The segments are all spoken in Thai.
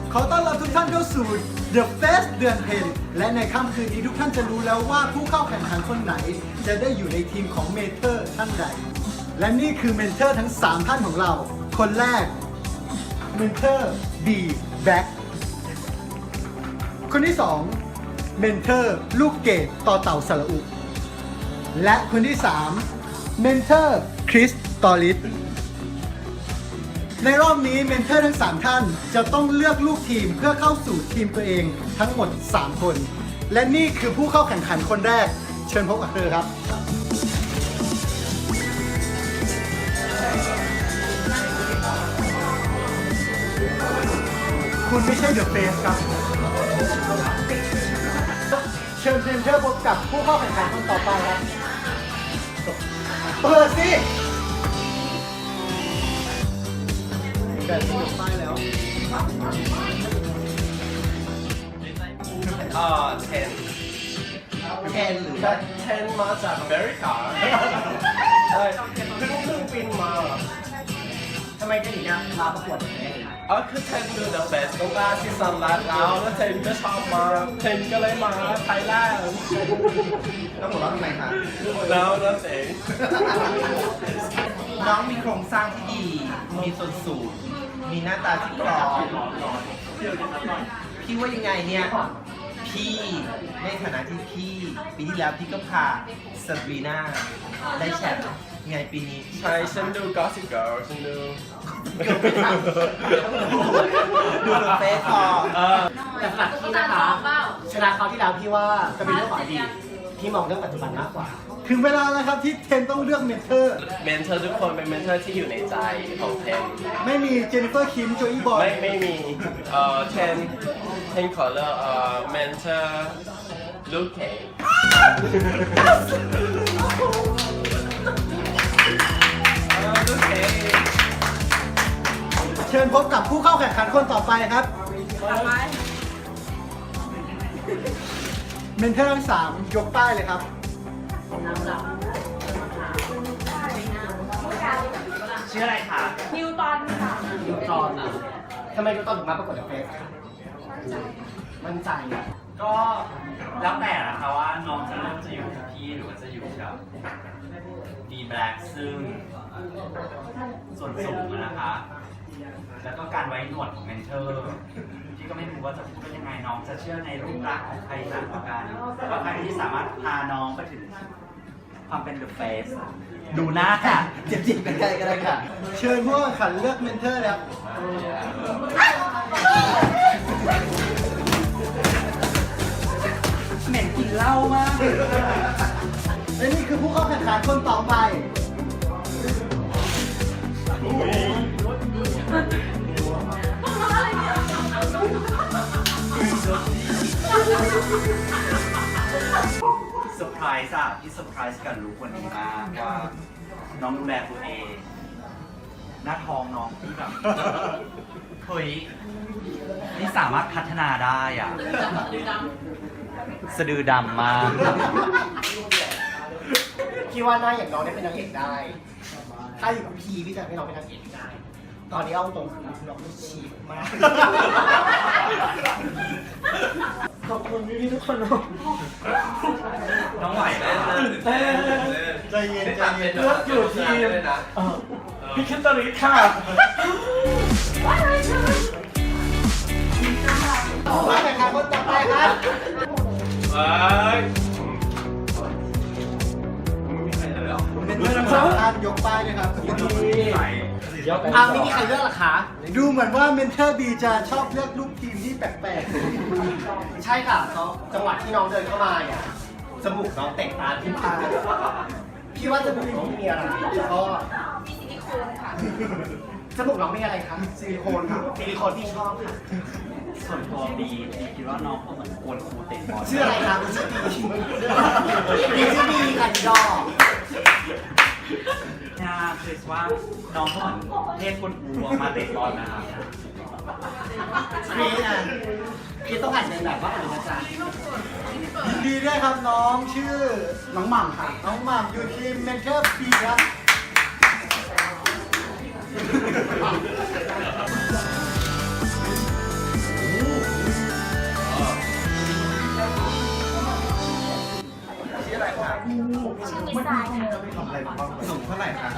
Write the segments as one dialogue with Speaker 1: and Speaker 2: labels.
Speaker 1: ขอต้อนรับทุกท่านเข้าสู่ The Face เดือนเพ็ญและในค่ำคืนนี้ทุกท่านจะรู้แล้วว่าผู้เข้าแข่งขันคนไหน จะได้อยู่ในทีมของเมนเทอร์ท่านใด และนี่คือเมนเทอร์ทั้ง 3 ท่านของเรา คนแรกเมนเทอร์ B Back คนที่2เมนเทอร์ลูกเกดต่อเต่าสระอุและคนที่3เมนเทอร์คริสตอริสในรอบนี้เมนเทอร์ทั้ง 3 ท่านจะต้องเลือกลูกทีมเพื่อเข้าสู่ทีมตัวเองทั้งหมด 3 คน และนี่คือผู้เข้าแข่งขันคนแรก เชิญพบกับเธอครับ คุณไม่ใช่เดอะเฟสครับ เชิญเมนเทอร์พบกับผู้เข้าแข่งขันคนต่อไปครับเปิดสิแบบนี้ป้ายแล้ว
Speaker 2: 10หรือว่า10มาจากอเมริกาใช่เพิ่งบินมาทำไมถึงอยากมาประกวดแบบนี้คือ10ดู The Face ต้องการซีซั่นแรกแล้ว10ก็ชอบมา10ก็เลยมาไทยแลนด์แล้วหมดแล้วทำไมคะแล้วเองน้องมีโครงสร้างที่ดี มีส่วนสูง มีหน้าตาที่พร้อมพี่ว่ายังไงเนี่ยพี่ในฐานะที่พี่ปีที่แล้วพี่ก็พาซาบรีน่าได้แชมป์ไงปีนี้ใช่ฉันดู Gossip Girl ฉันดูดูเฟซพอแต่ฝากพี่นะคะชนะเขาวที่แล้วพี่ว่าจะเป็นเรื่องของอดีตพี่มองเรื่องปัจจุบันมากกว่า
Speaker 1: ถึงเวลาแล้วครับที่เทนต้องเลือกเมนเทอร์
Speaker 2: ทุกคนเป็นเมนเทอร์ที่อยู่ในใจของเทน
Speaker 1: ไม่มีเจนนิเฟอร์คิมโจอี้บอย
Speaker 2: ไม่มีเทนขอเลือกเมนเทอร์ลูกเกดลูกเกด
Speaker 1: เชิญพบกับผู้เข้าแข่งขันคนต่อไปครับเมนเทอร์ทั้ง3ยกป้ายเลยครับ
Speaker 2: ชื่ออะไรคะ
Speaker 3: นิวตันค่ะ
Speaker 2: นิวตอนอ่ะทำไมนิวตอนถึงมาประกวดกับเฟสมั่นใจอ่ะ
Speaker 4: ก็แล้วแต่นะคะว่าน้องจะเริ่มจะอยู่กับพี่หรือว่าจะอยู่กับดีแบล็กซึ่งส่วนสูงนะคะ แล้วก็การไว้หนวดของเมนเทอร์พี่ก็ไม่รู้ว่าจะพูดยังไงน้องจะเชื่อในรูปลักษณ์ของใครมากกว่ากันว่าใครที่สามารถพาน้องไปถึงความเป็นเดอะเฟสดูหน้าค่ะ
Speaker 2: จิบกันได้ก็ได้ค่ะ
Speaker 1: เชิญผู้แข่งขันเลือกเมนเทอร์แล้ว
Speaker 4: เหม็นกินเหล้ามาก
Speaker 1: และนี่คือผู้เข้าแข่งขันคนต่อไป
Speaker 4: เซอร์ไพรส์อะที่เซอร์ไพรส์กับลูกคนนี้มากว่าน้องดูแลตัวเองหน้าท้องน้องที่แบบเฮ้ยนี่สามารถพัฒนาได้อ่ะสะดือดำมาก
Speaker 2: พี่ว่าหน้าอย่างน้องได้เป็นนางเอกได้ ถ้าอยู่กับพี่จะให้น้องเป็นนางเอกได้ ตอนนี้เอาตรงคือน้องไม่ฉีกมากขอบคุณพี่ทุกคน
Speaker 4: น้องไหวไหม
Speaker 1: ใจเย็นใจเย็น
Speaker 2: เลือกอยู่ทีม
Speaker 4: พี่คิดตริสค่ะ
Speaker 1: ผู้แข่งขันคนต่อไปครับเป็นเรื่องสำคัญยกป้ายเลยครับ
Speaker 2: ไม่มีใครเลือกหรอคะ
Speaker 1: ดูเหมือนว่าเมนเทอร์บีจะชอบเลือกลูกทีมที่แปลก
Speaker 2: ใช่ค่ะเขาจังหวะที่น้องเดินเข้ามาเนี่ยจมูกน้องเตะตาที่พาพี่ว่าจมูกน้องมีอะไรก็
Speaker 3: มีซิลิโคนค่ะ
Speaker 2: จมูกน้องมีอะไรคะซิลิโคนค่ะซิลิโคนที่ชอบค่ะ
Speaker 4: ส่วนตัวบีคิดว่าน้องก็เหมือนกวนครูเตะบอล
Speaker 2: ชื่ออะไรคะคุณชื่อบีชื่อบีค่ะดีดอ
Speaker 4: น่าคิดว่าน้องก็เหมือนเทพกวนครูมาเตะบอลนะครับ
Speaker 2: พี่ต้องหัดในแบบว่าอะไรนะจ๊ะ
Speaker 1: ยินดีด้วยครับน้องชื่อน้องหม่ำค่ะน้องหม่ำอยู่ทีมเมนเทอร์บีครับสูงเท่าไหร่ครับ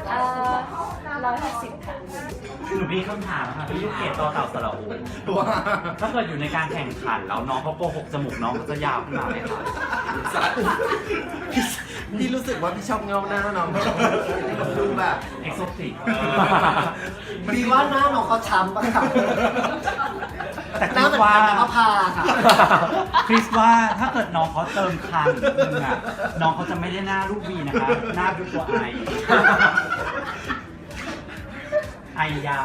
Speaker 3: 160 ค่ะ
Speaker 4: หนูมีคำถามค่ะพี่ลูกเกดต่อเต่าสระอูถ้าเกิดอยู่ในการแข่งขันแล้วน้องเขาโกหกจมูกน้องเขาจะยาวขึ้นมาไหมคะ
Speaker 2: พี่รู้สึกว่าพี่ชอบเงาหน้าน้องดูแบบ
Speaker 4: เอ็กโซติก
Speaker 1: พี่ว่าหน้าน้องเขาช้ำป่ะครับ
Speaker 4: แต่
Speaker 1: ห
Speaker 4: คิ
Speaker 1: น้า
Speaker 4: ด
Speaker 1: เหมือน
Speaker 4: ว่า
Speaker 1: กันมะพร้าวค่ะ
Speaker 4: คริสว่าถ้าเกิดน้องเขาเติมคางนิดนึงอ่ะน้องเขาจะไม่ได้หน้าลูกบีนะคะ หน้าเป็นตัวไอยาว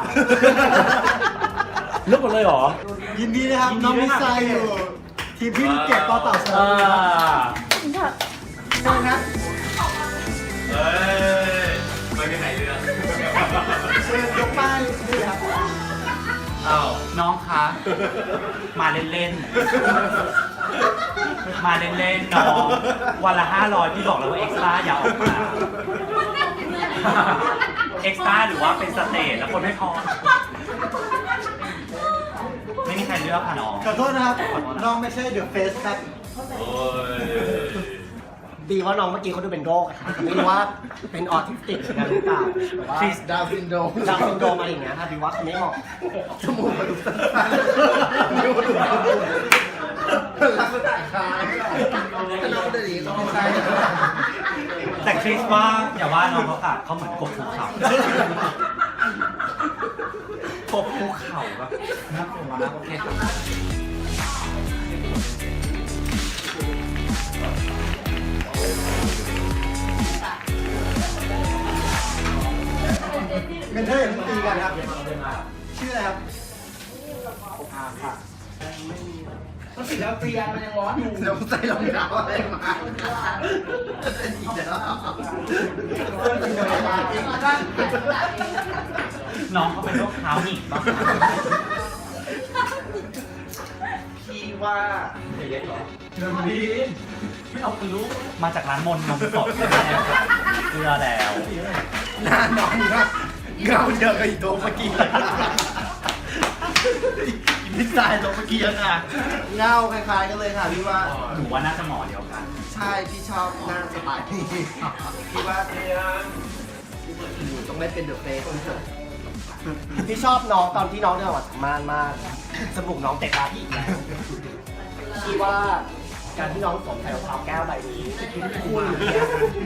Speaker 4: เลือกหมดเลยเหรอ
Speaker 1: ยินดีนะครับ
Speaker 4: ยินดี
Speaker 1: น้อง
Speaker 4: ด้ว
Speaker 1: มิ
Speaker 4: ย
Speaker 1: ส
Speaker 4: ค่ะ
Speaker 1: ไซอยู่ ทีมพี่ลูกเกดต่อเต่าสระอูครับเชิญครับ
Speaker 4: เฮ้ยไปกันไหนเรื่อง
Speaker 1: เชิญยกป้ายด้วยครับ
Speaker 4: อ้าวน้องคะ มาเล่นๆ มาเล่นๆ น้อง วันละ500พี่บอกแล้วว่าเอ็กซ์ตร้าอย่าออกมา เอ็กซ์ตร้าหรือว่าเป็นสเตจแล้วคนไม่พอ ไม่มีใครเลือกค่ะน้อง
Speaker 1: ขอโทษนะครับ น้องไม่ใช่เดอะเฟสครับ
Speaker 4: โอ้ย
Speaker 2: บีว่าน้องเมื่อกี้เขาดูเป็นโรคอะค่ะไม่รู้ว่าเป็นออทิสติกกันหรือเปล่าหรือว่า
Speaker 1: คริสดาวซินโดรม
Speaker 2: ดาวน์ซินโดรมอะไรอย่างเงี้ยค่ะบีว่าเขาไม่เหมาะ
Speaker 1: จมูกมาดูสั้นๆนิ้วดูลักษณะคล้ายน้องเดลีก็ไม่ใช่
Speaker 4: แต่คริสว่าอย่าว่าน้องเขาค่ะเขาเหมือนกบภูเขากบภูเขาแบบน่ากลัวมากโอเคค่ะ
Speaker 1: เมนเทอร์อย่าเพิ่งตีกันครับ ชื่ออะไรครับก็สิแล้วเตียนมันยังร้อนอยู่เดี๋ยวใส่รองเท้าอะไรมาอีกแล้ว
Speaker 4: น้องเขาเป็นโรคเท้าหนีบบ้าง
Speaker 2: พี่ว่า
Speaker 1: เริ่มดี
Speaker 4: ไม่เอาคือลูกมาจากร้านมนต์นมสดใช่ไหมเกลือแล้ว
Speaker 1: หน้าน้องนะเงาเยอะกับอีโตเมื่อกี้มิสไซล์ตัวเมื่อกี้นะ
Speaker 2: เงาคล้ายๆกันเลยค่ะพี่ว่า
Speaker 4: หนูว่าน่าจะหมอเดียวกัน
Speaker 2: ใช่พี่ชอบหน้าสไตล์นี้พี่ว่าหนูต้องได้เป็นเดอะเฟสพี่ชอบน้องตอนที่น้องเดินออกจากม่านมากจมูกน้องเตะตาพี่อีกแล้วพี่ว่าการที่น้องสวมใส่รองเท้าแก้วใบนี้คู่นี้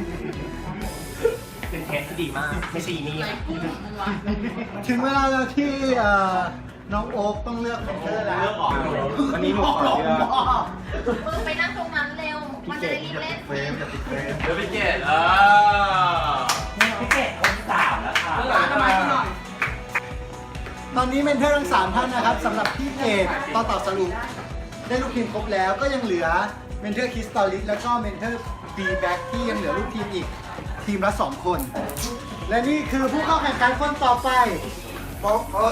Speaker 2: เป็นเทสที่ดีมาก ไม่ใช่อีนี่
Speaker 1: ถึงเวลาแล้วที่น้องโอ๊คต้องเลือกเมนเทอร์แล้ว
Speaker 4: เลือกออก
Speaker 2: วันนี้หมอหลอก
Speaker 3: มึงไปนั่งตรงนั้นเร็ว มันจะได้รีบเล่น
Speaker 1: เฟรมจะติดเฟรม
Speaker 4: เดี๋ยวพี่เกดพี่เกดคนสามแล้วค่ะ
Speaker 1: ตอนนี้เมนเทอร์ทั้ง3ท่านนะครับสำหรับพี่เกดต่อสรุปได้ลูกทีมครบแล้วก็ยังเหลือเมนเทอร์คริสตอลิสแล้วก็เมนเทอร์บีแบ็กที่ยังเหลือลูกทีมอีกทีมละ2 คน และนี่คือผู้เข้าแข่งขันคนต่อไปโอ๊คครับ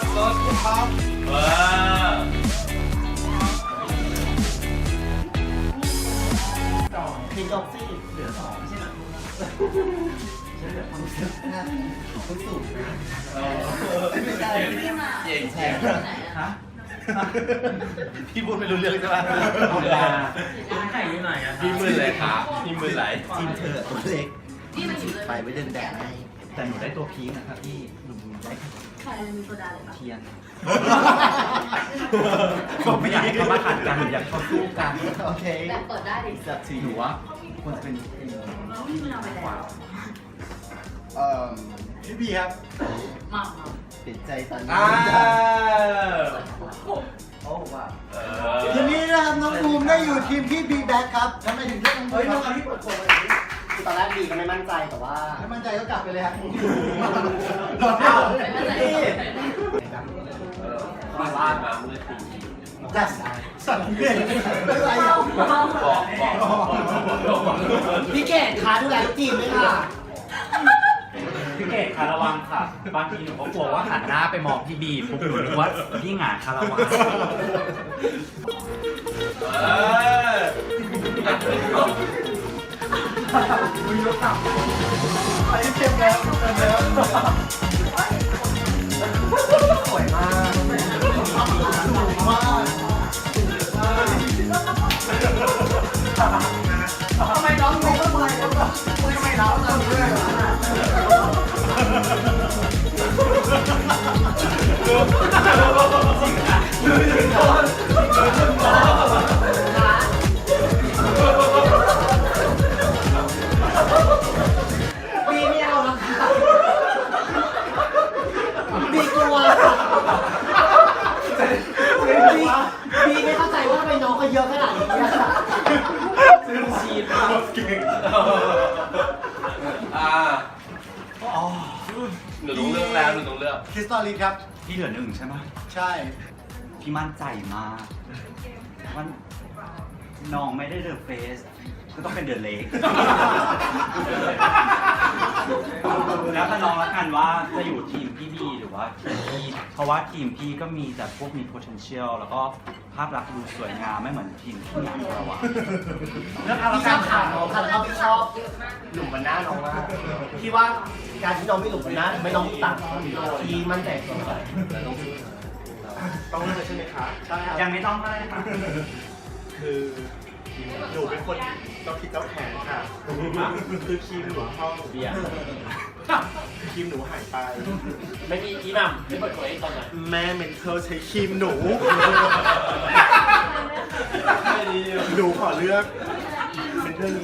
Speaker 2: ทีมจอกซี่เหลือ2ไม่ใช่เหรอ
Speaker 1: คุณสูง
Speaker 2: ไม่ใช่
Speaker 4: เก่งแชร์ฮะ
Speaker 2: พี่พูดไม่รู้เรื่องใช่ไหม
Speaker 4: ธรรมดาไข่อยู่ไหนอะพี่มือเลยครับพี่มือไหล
Speaker 2: ทีมเธอตัวเล็กไปไว้เดินแดดให้
Speaker 4: แต่หนูได้ตัวพีคนะครับพี่หนูได้
Speaker 3: ใครมีโซดาเลยปะ
Speaker 4: เทียนผมไม่อยากให้เขามาขัดกันหนูอยากให้เขาสู้กัน
Speaker 2: โอเค
Speaker 3: แบบเปิดได้ดิ
Speaker 2: จับที
Speaker 4: หนูว่าควรจะเป็น
Speaker 3: มึงเอาไปแล้ว
Speaker 1: พี่บีครับ
Speaker 3: มา
Speaker 2: ติดใจตอนนี้
Speaker 4: อ้าว
Speaker 2: โอ้ว่า
Speaker 1: ทีนี้นะครับน้องบูมได้อยู่ทีมพี่บีแบ็กครับทำไมถึงเลือกน้องบู
Speaker 2: เฮ้ย
Speaker 1: ม
Speaker 2: น้อง
Speaker 1: ครับ
Speaker 2: ที่เปิดโกงอะไรนี่คือตอนแรกบีก็ไม่มั่นใจแต่ว่า
Speaker 1: ไม่มั่นใจก็กลับไปเลยครับ
Speaker 2: โดนเอา
Speaker 1: นี่
Speaker 4: บ้านมามือถือ
Speaker 1: จัสสั่นเก่งอะไรอ่ะ
Speaker 2: พี่เกดคะดูแลทีมด้วยค่ะ
Speaker 4: พี่เกดคาระวังค่ะ บางทีหนูก็กลัวว่าหันหน้าไปมองพี่บีปุ๊บหนูนึกว่าพี่หงายคาระวัง
Speaker 1: ไปเต็มแล้วเต็มแล้ว
Speaker 2: สวยมาก
Speaker 1: สูงมากทำไมน้องไม่ทำไมทำไมน้
Speaker 5: บีไม่เอาแล้วค่ะบีกลัวบีไม่เข้าใจว่าทำไมน้องเขาเยอะขนาดนี้อะค่ะ
Speaker 2: ซึ่งชีนหนูต้องเลือกแล้วหนูต้องเลือก
Speaker 1: คริสตอลิสครับ
Speaker 4: พี่เหลือหนึ่งใช่ไหม
Speaker 1: ใช่
Speaker 4: พี่มั่นใจมากว่าน้องไม่ได้เดอะเฟสก็ต้องเป็นเดอะเล็ก แล้วแต่น้องละกันว่าจะอยู่ทีมพี่บีหรือว่าทีมพี่เพราะว่าทีมพี่ก็มีแต่พวกมี potential แล้วก็ภาพลักษณ์ดูสวยงามไม่เหมือนทีมพี่หนังเราอะเลือกเอาละ
Speaker 5: พี่ช
Speaker 4: กั
Speaker 5: อน บข่าวน้องค่ะเขาชอบหลุมบรรณาน้องมากพี่ว่าการที่น้องไม่หลุมบรรณาไม่น้องตัดที่มั่นใจตัว
Speaker 2: ต้องเลือกใช่ไหมคะ
Speaker 5: ใช่ครับ
Speaker 4: ยังไม่ต้องก็ได้ค่ะ
Speaker 6: คือหนูเป็นคนเจ้าคิดเจ้าแขนค่ะ คือครีมหนูห้อง
Speaker 2: เบียร์
Speaker 6: ครีมหนูหายไป
Speaker 2: ไม่มีอีหม่ำที่เปิดเผยตอนไหน
Speaker 6: แม่เมนเทอร์ใช้ครีมหนู หนูขอเลือกเมนเทอร์นี้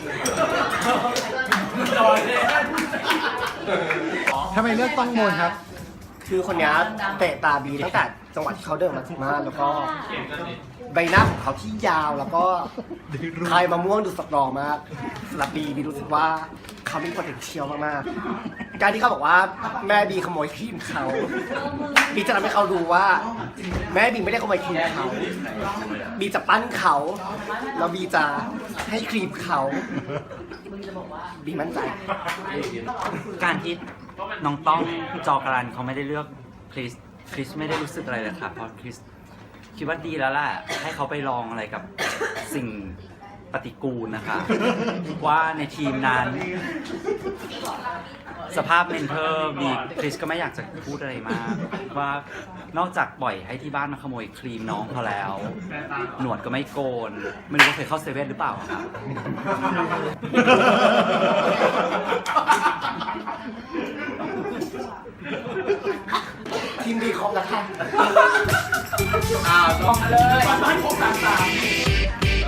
Speaker 1: ทำไมเลือกต้องมนครับ
Speaker 5: คือคนนี้เตะตาบีตั้งแต่จังหวะที่เขาเดินมาถึงบ้านแล้วก็ใบหน้าของเขาที่ยาวแล้วก็คลายมะม่วงดูสตรองมากสำหรับบีรู้สึกว่าเขามี potential มากๆการที่เขาบอกว่าแม่บีขโมยครีมเขาบีจะทำให้เขารู้ว่า แม่บีไม่ได้ขโมยครีมเขาบีจะปั้นเขาแล้วบีจะให้ครีมเขาบีมั่นใจ
Speaker 4: การที่น้องต้องจอการันเขาไม่ได้เลือกคริสไม่ได้รู้สึกอะไรเลยค่ะเพราะคริสคิดว่าดีแล้วแหละให้เขาไปลองอะไรกับสิ่งปฏิกูลนะคะ ว่าในทีมนั้น สภาพเมนเทอร์มีคริสก็ไม่อยากจะพูดอะไรมาก ว่านอกจากปล่อยให้ที่บ้านมาขโมยครีมน้องเขาแล้ว หนวดก็ไม่โกน ไม่รู้ว่าเคยเข้าเซเว่นหรือเปล่าครับ
Speaker 5: ทีมบีครบแล้วค่ะ
Speaker 2: ต้องเลยมันครบต่างๆ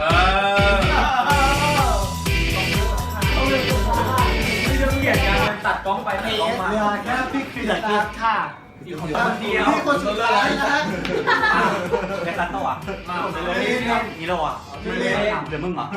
Speaker 2: ไม่ต้องเกลียดกันตัดกล้องไปตัดกล้องมา
Speaker 1: เหลือแค่พี่คริส
Speaker 5: เหลือ
Speaker 1: ค
Speaker 5: คลิ
Speaker 1: รั
Speaker 5: ป
Speaker 1: บ
Speaker 5: ค่ะ
Speaker 2: คนเดียว
Speaker 1: พี่คนสุดท้ายนะฮะ
Speaker 4: เล่นรัตโต้อะ นี่เราอะเดี๋ยวมึงเหรอ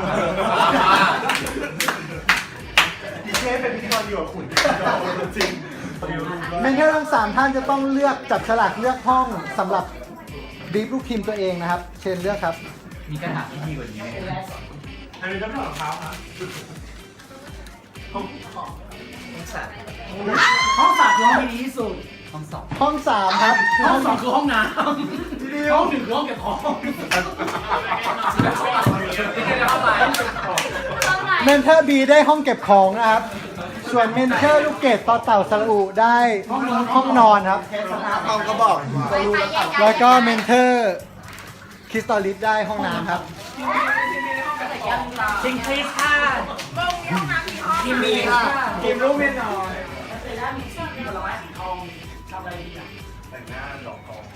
Speaker 6: ดิเช่เป็นพิธีกรอยู่กับขุนจริง
Speaker 1: เมนเทอร์ทั้ง3ท่านจะต้องเลือกจับฉลากเลือกห้องสำหรับบีบลูกทีมตัวเองนะครับ เชิญเลือกครับ
Speaker 4: มีกระถางที่ดีกว่านี้ไหม
Speaker 6: อันนี้ต้องถอดรองเท้าครับ
Speaker 5: ห้องสามคือห้องที่ดีที่สุด
Speaker 4: ห้องสอง
Speaker 1: ห้อง3ครับ
Speaker 5: ห้องสองคือห้องน้ำห้องหนึ่งคือห้องเก็บของ
Speaker 1: เมนเทอร์บีได้ห้องเก็บของนะครับ ส่วนเมนเทอร์ลูกเกดต่อเต่าสระอุได้ห้องนอนครับ
Speaker 6: ห้องก็บอก
Speaker 1: แล้วก็เมนเทอร์คริสตอลิสได้ห้องน้ำครับ
Speaker 5: จริงคริสค่ะทีมบีค่ะทีมลูกเมียน้อย
Speaker 6: แต่งหน้าดอกทอง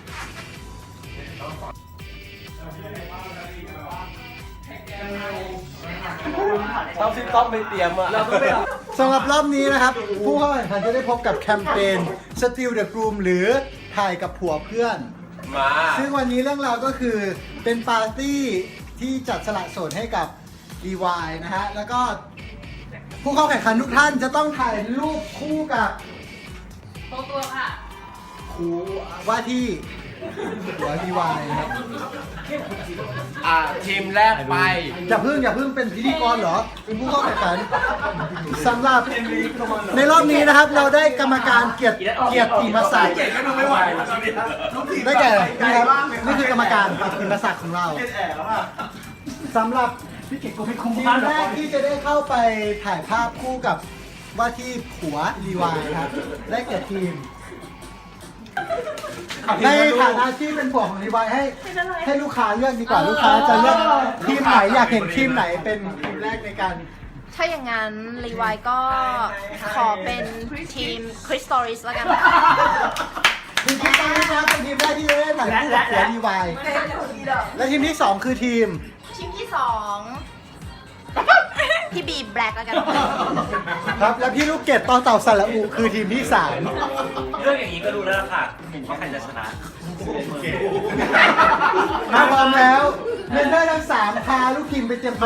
Speaker 2: ต้องซิต้องไม่เตรียมอ่ะเราต้องไปเอา
Speaker 1: สำหรับรอบนี้นะครับ ผู้เข้าแข่งขันจะได้พบกับแคมเปญ Steal the Groom หรือถ่ายกับผัวเพื่อน
Speaker 2: มา
Speaker 1: ซึ่งวันนี้เรื่องราวก็คือเป็นปาร์ตี้ที่จัดสละโสดให้กับ DY นะฮะ แล้วก็ผู้เข้าแข่งขันทุกท่านจะต้องถ่ายรูปคู่กับ
Speaker 3: ตัวค่ะ
Speaker 1: คู่ว่าที่หัว DY นะครับ
Speaker 2: ทีมแรกไป
Speaker 1: อย่าเพิ่งเป็นพิธีกรเหรอ เป็นผู้เข้าแข่งขันสำหรับในรอบนี้นะครับ เราได้กรรมการเกียรติมาศักดิ์
Speaker 6: ก็ดูไม่ไหว
Speaker 1: ได้แก่นี่ครับนี่คือกรรมการเกียรติมาศักดิ์ของเราสำหรับทีมแรกที่จะได้เข้าไปถ่ายภาพคู่กับว่าที่ผัวรีวายครับ ได้แก่ทีม ในฐานะที่เป็นผัวของรีวายให้ลูกค้าเลือกดีกว่าลูกค้าจะเลือกทีมไหนอยากเห็นทีมไหนเป็นทีมแรกในการ
Speaker 3: ถ้าอย่างนั้นรีวายก็ขอเป็นทีมคริสตอริสแล้วกัน
Speaker 1: ทีมที่ตั้งนะครับเป็นทีมแรกที่จะได้และดีวายและทีมที่ 2 คือทีม
Speaker 3: ทีมที่สองพี่บีแบล็กแล้วกัน
Speaker 1: ครับ และพี่ลูกเกดต่อเต่าสระอุคือทีมที่
Speaker 4: เรื่องอย่างนี้ก็รู้แล้วล่ะค่ะว่าใครจะชนะ
Speaker 1: 3 มาพร้อมแล้วเมนเทอร์ทั้ง 3 พาลูกทีมไปเตรียมตัว